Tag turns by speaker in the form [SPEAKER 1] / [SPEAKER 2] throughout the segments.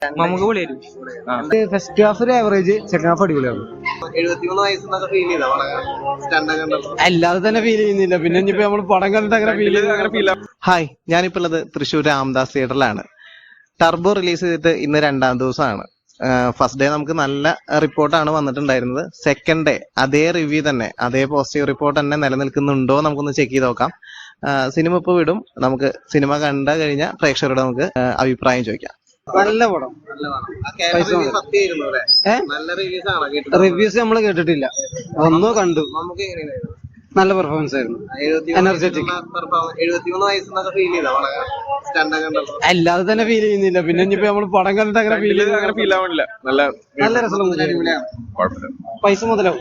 [SPEAKER 1] നമുക്ക് പൊളിയായിരുന്നു.
[SPEAKER 2] First half ഒരു ആവറേജ്, സെക്കൻഡ് ഹാഫ് അടിപൊളിയാണ്.
[SPEAKER 3] 73 വയസ്സെന്നൊക്കെ ഫീൽ ചെയ്താ സ്റ്റണ്ടൊക്കെ ഉണ്ടല്ലോ.
[SPEAKER 2] അല്ലാതെ തന്നെ ഫീൽ ചെയ്യുന്നില്ല, പിന്നെ ഇനിയിപ്പോ നമ്മൾ പടം കണ്ടിട്ട് അങ്ങനെ ഫീൽ
[SPEAKER 3] ഹായ്, ഞാനിപ്പോൾ ഉള്ളത് തൃശ്ശൂർ രാംദാസ് തിയേറ്ററിലാണ്. ടർബോ റിലീസ് ചെയ്തിട്ട് ഇന്ന് 2ാം ദിവസമാണ്. ഫസ്റ്റ് ഡേ നമുക്ക് നല്ല റിപ്പോർട്ടാണ് വന്നിട്ടുണ്ടായിരുന്നത്. സെക്കൻഡ് ഡേ അതേ റിവ്യൂ തന്നെ, അതേ പോസിറ്റീവ് റിപ്പോർട്ട് തന്നെ നിലനിൽക്കുന്നുണ്ടോ നമുക്കൊന്ന് ചെക്ക് ചെയ്ത് നോക്കാം. സിനിമ ഇപ്പോൾ വിടും. നമുക്ക് സിനിമ കണ്ടു കഴിഞ്ഞാൽ പ്രേക്ഷകരോട് നമുക്ക് അഭിപ്രായം ചോദിക്കാം.
[SPEAKER 2] നല്ല പടം. റിവ്യൂസ് നമ്മൾ കേട്ടിട്ടില്ല, ഒന്നോ കണ്ടു.
[SPEAKER 3] നമുക്ക് എങ്ങനെയായിരുന്നു?
[SPEAKER 2] നല്ല പെർഫോമൻസ് ആയിരുന്നു. എനർജറ്റിക്.
[SPEAKER 3] 73 വയസ്സെന്നൊക്കെ ഫീൽ ചെയ്താ സ്റ്റണ്ടൊക്കെ ഉണ്ടല്ലോ.
[SPEAKER 2] അല്ലാതെ തന്നെ ഫീൽ ചെയ്യുന്നില്ല, പിന്നെ ഇനിയിപ്പോ നമ്മൾ പടം കണ്ടിട്ട് അങ്ങനെ ഫീൽ ആവണില്ല. നല്ല രസമുള്ള പൈസ മുതലാവും.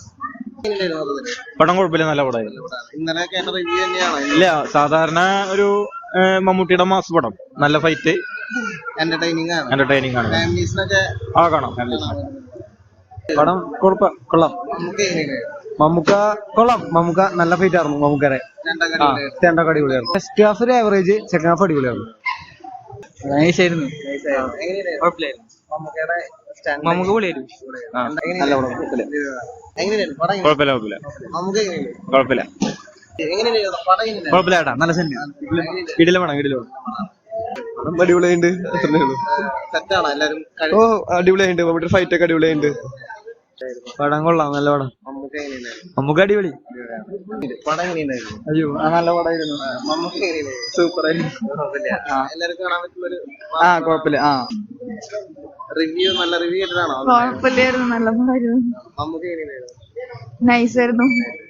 [SPEAKER 1] പടം കുഴപ്പമില്ല, നല്ല പടമായിരുന്നു.
[SPEAKER 3] ഇന്നലെ കേട്ട റിവ്യൂ തന്നെയാണ്.
[SPEAKER 1] ഇല്ല, സാധാരണ ഒരു മമ്മൂട്ടിയുടെ മാസ് പടം. നല്ല ഫൈറ്റ്,
[SPEAKER 3] എന്റർടൈനിങ് ആണ്.
[SPEAKER 1] ഫാമിലീസിനൊക്കെ കാണാം.
[SPEAKER 2] പടം കൊള്ളാം.
[SPEAKER 3] നമുക്ക് എങ്ങനെയായിരുന്നു?
[SPEAKER 2] മമ്മൂക്ക കൊള്ളാം. മമ്മൂക്ക നല്ല ഫൈറ്റ് ആയിരുന്നു. മമ്മൂക്കരെ രണ്ടൊക്കെ അടിപൊളിയായിരുന്നു. ഫസ്റ്റ് ഹാഫ് ഒരു ആവറേജ്, സെക്കൻഡ് ഹാഫ് അടിപൊളിയായിരുന്നു.
[SPEAKER 1] നൈസായിരുന്നു.
[SPEAKER 3] നമുക്ക്
[SPEAKER 1] പൊളിയായിരുന്നു.
[SPEAKER 2] നല്ല പടം.
[SPEAKER 1] കുഴപ്പമില്ല. നല്ല സിനിമ. ഇടില വേണം.
[SPEAKER 2] അടിപൊളിയുണ്ട്.
[SPEAKER 3] സെറ്റാണോ എല്ലാരും?
[SPEAKER 2] ഓ അടിപൊളിയുണ്ട്. മമ്മൂട്ടി ഫൈറ്റ് ഒക്കെ അടിപൊളിയുണ്ട്. പടം കൊള്ളാം, നല്ല പടം. നമുക്ക് അടിപൊളി.
[SPEAKER 3] പടം എങ്ങനെയുണ്ടായിരുന്നു?
[SPEAKER 2] അയ്യോ നല്ല പടമായിരുന്നു.
[SPEAKER 3] നമുക്ക് എങ്ങനെയായിരുന്നു?
[SPEAKER 2] സൂപ്പർ ആയിരുന്നു.
[SPEAKER 3] എല്ലാവർക്കും കാണാൻ പറ്റുള്ളൊരു
[SPEAKER 2] കുഴപ്പമില്ല.
[SPEAKER 3] റിവ്യൂ, നല്ല റിവ്യൂ കേട്ടതാണോ?
[SPEAKER 4] കുഴപ്പമില്ലായിരുന്നു, നല്ല പടമായിരുന്നു.
[SPEAKER 3] നമുക്ക് എങ്ങനെയായിരുന്നു?
[SPEAKER 4] നൈസായിരുന്നു.